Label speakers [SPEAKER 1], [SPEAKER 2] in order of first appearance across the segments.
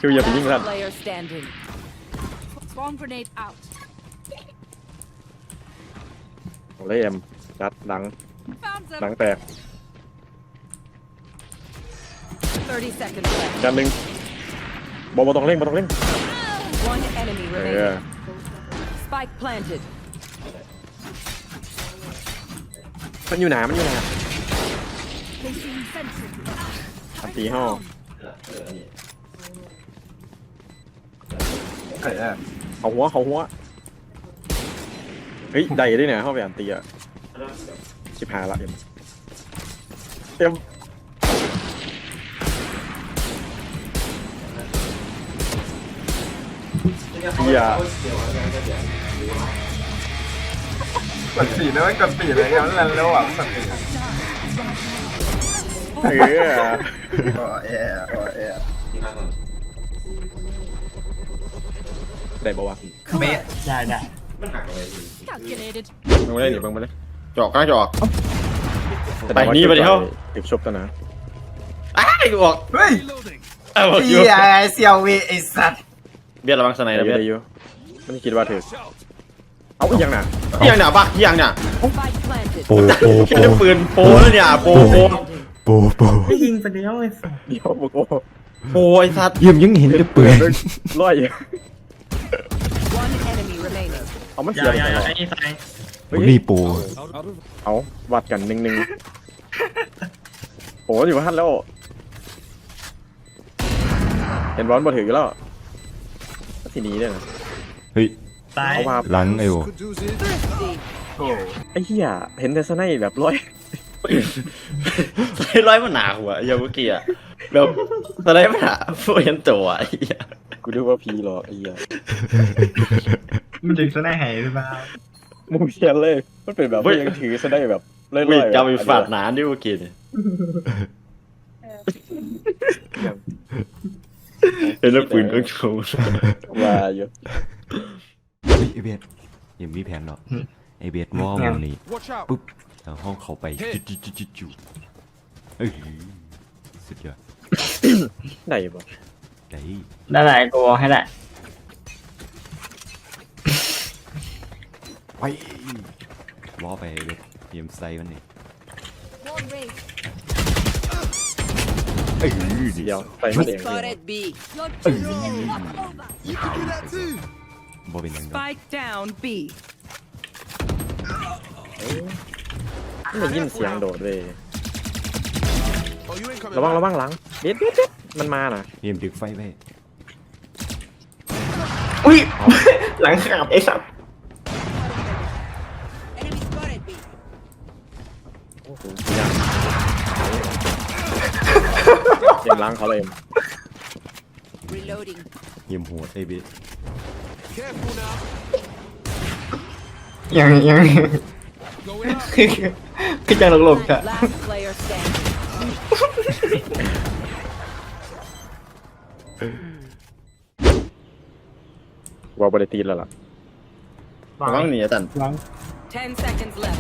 [SPEAKER 1] คิวอย่าไปยิงกัน
[SPEAKER 2] Player standing.
[SPEAKER 3] Swarm grenade out.
[SPEAKER 1] โอ้เลยเอ็มจัดดัง
[SPEAKER 3] Found
[SPEAKER 1] ดัง
[SPEAKER 3] them.
[SPEAKER 1] แตก
[SPEAKER 2] 30 seconds left.
[SPEAKER 1] จานหนึ่งบอลต้องเร่งบอลต้องเร่ง
[SPEAKER 2] One enemy
[SPEAKER 1] เอ
[SPEAKER 2] remaining.
[SPEAKER 1] อ
[SPEAKER 2] Spike planted.
[SPEAKER 1] มันอยู่ไหนมันอยู่ไหน
[SPEAKER 3] Placing sentry.
[SPEAKER 1] อันตีห้อ เขาหัวเฮ้ยได้ด้วยเนี่ยเข้าไปอันตีอ่ะชิบหายละเอ็มเฮีย
[SPEAKER 4] กดสีแล้วไม่กดสีเลยงั้นแล้วอ่ะกดสี
[SPEAKER 1] เออ
[SPEAKER 4] โอ้เอ๋โอ้เอ๋
[SPEAKER 1] ได้ปะวะ
[SPEAKER 4] เมะได้
[SPEAKER 3] Calculated.
[SPEAKER 1] มึงไม่ได้หนิมึงไม่ได้
[SPEAKER 5] จอกกล้าจอก
[SPEAKER 1] ไปนี่ไปเดี๋ยวติดชบตัวนะ
[SPEAKER 5] อ้ายกูออก
[SPEAKER 4] เฮ้ย
[SPEAKER 5] เอาออกอ
[SPEAKER 4] เฮี
[SPEAKER 5] ยู่
[SPEAKER 4] ยเสี่ยวเวไอสัตว์
[SPEAKER 5] เบียดระวังสไน
[SPEAKER 1] ได้
[SPEAKER 5] ด์นะเบียด
[SPEAKER 1] อยู่ไม่คิดว่าถือเอาอีกอย่างน่ะ
[SPEAKER 5] ที่ยังเนี่ยบ้าที่ยังเนี่ย
[SPEAKER 2] Spike planted.
[SPEAKER 6] โปโป
[SPEAKER 5] แค่ปืนโปแล้วเนี่ยโป
[SPEAKER 6] โปโป
[SPEAKER 4] ไม่ยิงไปแล้วไอ้สัตว์
[SPEAKER 1] เดี๋ยวบอกโอ้
[SPEAKER 5] โปไอ้สัตว์
[SPEAKER 6] เยี่ยมยังเห็นจะเปื่อย
[SPEAKER 1] ร้อย
[SPEAKER 2] One enemy remaining.
[SPEAKER 1] เอามันเสียไปไหน
[SPEAKER 6] บุนี่โป
[SPEAKER 1] เอาวัดกันหนึ่งโอ้อยู่พันแล้วเห็นบอลบอลถือแล้วทีนี้เนี่ยนะ
[SPEAKER 6] เฮ้ย
[SPEAKER 1] เอามา
[SPEAKER 6] หลังไอ้โอ
[SPEAKER 2] Thrifty.
[SPEAKER 4] โอ้
[SPEAKER 1] ไอ้เหี้ยเห็นแต่สไนแบบร้อย
[SPEAKER 5] สไนด์ร้อยมันหนาหัวอย่างเมื่อกี้อะแบบสไนด์มันหนาพวกยันตัวไอ้เหี้ย
[SPEAKER 1] กูดูว่าพีหรอกไอ้เหี้ย
[SPEAKER 4] มันดึงซะได้หายหรือเปล่า
[SPEAKER 1] มูเชียนเลยมันเป็นแบบว่ายังถือสไนแบบเล่อย
[SPEAKER 5] ไม่
[SPEAKER 1] ๆ
[SPEAKER 5] จำไปฝาดหนาดิเมื่อกี้เนี่ยเห็นแล้วปืนก็โชว์
[SPEAKER 1] ว่าอยู่
[SPEAKER 6] เฮ้ยไอเบียดยังมีแผนเนาะไอเบียดวอลมันนี่ปุ๊บแล้วห้องเขาไปจุเอ้ยสุดยอด
[SPEAKER 1] ได้ปะ
[SPEAKER 6] ได้
[SPEAKER 4] ได้ไหนกูให้ได้
[SPEAKER 6] ไปวอลไปเบียดเตรียมไซมันนี่
[SPEAKER 3] Swarm raised.
[SPEAKER 6] เอ้ย
[SPEAKER 1] เดี๋ยวไปมาเอง
[SPEAKER 2] Spotted B.
[SPEAKER 3] Your duty is not over.
[SPEAKER 6] บอเป็นยังไง
[SPEAKER 2] Spike down B.
[SPEAKER 1] ไม่ได้ยินเสียงโดดเลยระวังหลังเด็ดมันมาน่ะ
[SPEAKER 6] เตรียมดึกไฟไป
[SPEAKER 4] อุ้ยหลังขาบไอ้สัตว์
[SPEAKER 2] Enemy spotted B.
[SPEAKER 1] โอ้โหเสียงล้างเขาเลย
[SPEAKER 2] Reloading.
[SPEAKER 6] เยี่ยมหัวไอเบียด
[SPEAKER 4] ยังคือจังหลบๆค่ะ
[SPEAKER 2] Last player standing.
[SPEAKER 1] วอลบริตีแล้วล่ะ
[SPEAKER 5] ระวังหนีตัน
[SPEAKER 2] 10 seconds left.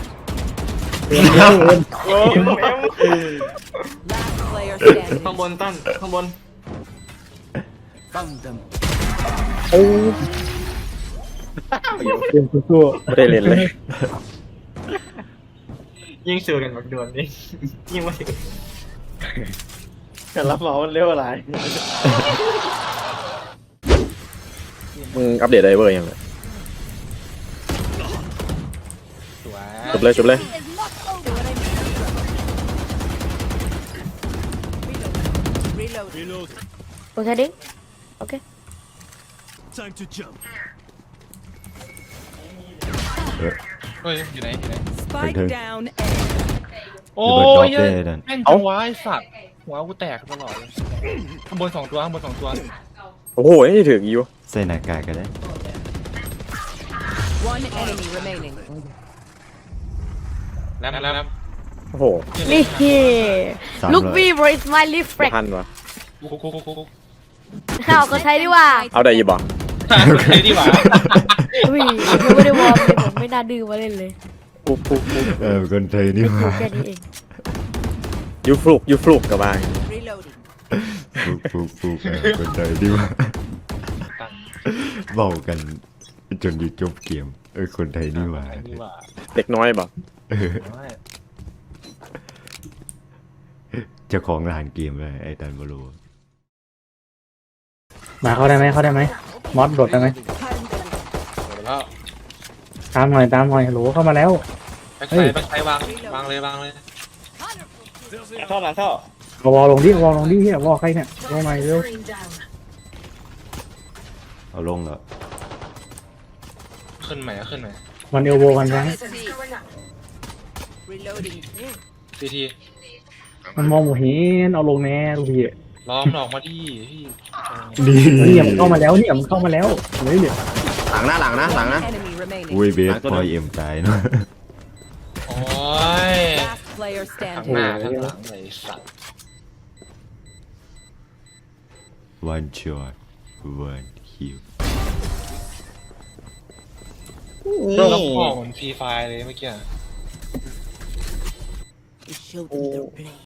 [SPEAKER 2] Last player standing.
[SPEAKER 4] ข้างบนตั้นข้างบน
[SPEAKER 1] ไม่ได้เล่นเลย
[SPEAKER 4] ยิ่งเสือกันบักดวนนี่ยิ่งไม่ถึง
[SPEAKER 5] การรับเหมามันเร็วอะไร
[SPEAKER 1] มึงอัปเดตไดเวอร์ยังไงจบเลย
[SPEAKER 3] Is not over.
[SPEAKER 2] Reload.
[SPEAKER 7] Was heading? Okay.
[SPEAKER 8] Time to jump.
[SPEAKER 9] เฮ้ยอยู่ไหน
[SPEAKER 2] Spike down A.
[SPEAKER 9] โอ้
[SPEAKER 6] ระเบิดดรอป
[SPEAKER 9] ยเฮ้ย
[SPEAKER 6] ได้ดัน
[SPEAKER 9] แม่งจังวะไอ้สัตว์หัวกูแตกตลอดเลยข้างบน2 ตัวข้างบน2 ตัว
[SPEAKER 1] โอ้โหนี่ถึงอยู่
[SPEAKER 6] ใส่หน้ากากกันได้
[SPEAKER 2] One enemy remaining.
[SPEAKER 9] แล้ว
[SPEAKER 1] โอ้โห
[SPEAKER 7] Look me bro it's my lift
[SPEAKER 1] ทั
[SPEAKER 7] frack
[SPEAKER 1] นวะ
[SPEAKER 9] คุก
[SPEAKER 7] ข้าวก็ใช้ดีกว่า
[SPEAKER 1] เอาได้ยี่บอก
[SPEAKER 9] ใช่ดีกว่า
[SPEAKER 7] อุ้ยยังไม่ได้วอร์มเลยผมไม่น่าดื้อมาเล่นเลย
[SPEAKER 1] ปุ๊บ
[SPEAKER 6] คนไทยนี่หว่า
[SPEAKER 7] แค่นี้เอง
[SPEAKER 1] ยูฟลุกกับบ้าง
[SPEAKER 2] Reloading.
[SPEAKER 6] ฟุกคนไทยดีว่าเบากันจนอยู่จบเกมคนไทยนี่หว่า
[SPEAKER 9] นี่ว่า
[SPEAKER 1] เด็กน้อยบอก
[SPEAKER 9] น้อย
[SPEAKER 6] เจ้าของร้านเกมเลยไอ้ตันบรู
[SPEAKER 10] มาเข้าได้ไหมมอสโดดได้ไหม
[SPEAKER 9] แล้ว
[SPEAKER 10] ตามหน่อยโหลเข้ามาแล้ว
[SPEAKER 9] แบ็คไซด์วางเลย
[SPEAKER 5] ท่อหลังท่อ
[SPEAKER 10] เอาวอลลงดิเฮียวอลใครเนี่ยวอลใหม่เร็ว
[SPEAKER 6] เอาลงแล้ว
[SPEAKER 9] ขึ้นใหม่
[SPEAKER 10] มันเอลโบกันยัง
[SPEAKER 2] Reloading.
[SPEAKER 9] ทีที
[SPEAKER 10] มันมองหมูเห็นเอาลงแน่ลูกพี่
[SPEAKER 9] ล้อมออกมาดิพี่
[SPEAKER 10] เนี่ยมันเข้ามาแล้วเฮ้ยเดี๋ยว
[SPEAKER 5] หลังนะ
[SPEAKER 2] Enemy remaining.
[SPEAKER 6] อุ้ยเบสพอยเอ็มตายเนาะ
[SPEAKER 9] โอ้ย
[SPEAKER 2] Last player
[SPEAKER 9] ข้าง
[SPEAKER 2] standing.
[SPEAKER 9] หน้าข้างหลังเลยสัตว์
[SPEAKER 6] one shot one kill
[SPEAKER 9] โลกพ่อเหมือนฟรีไฟเลยเมื่อกี้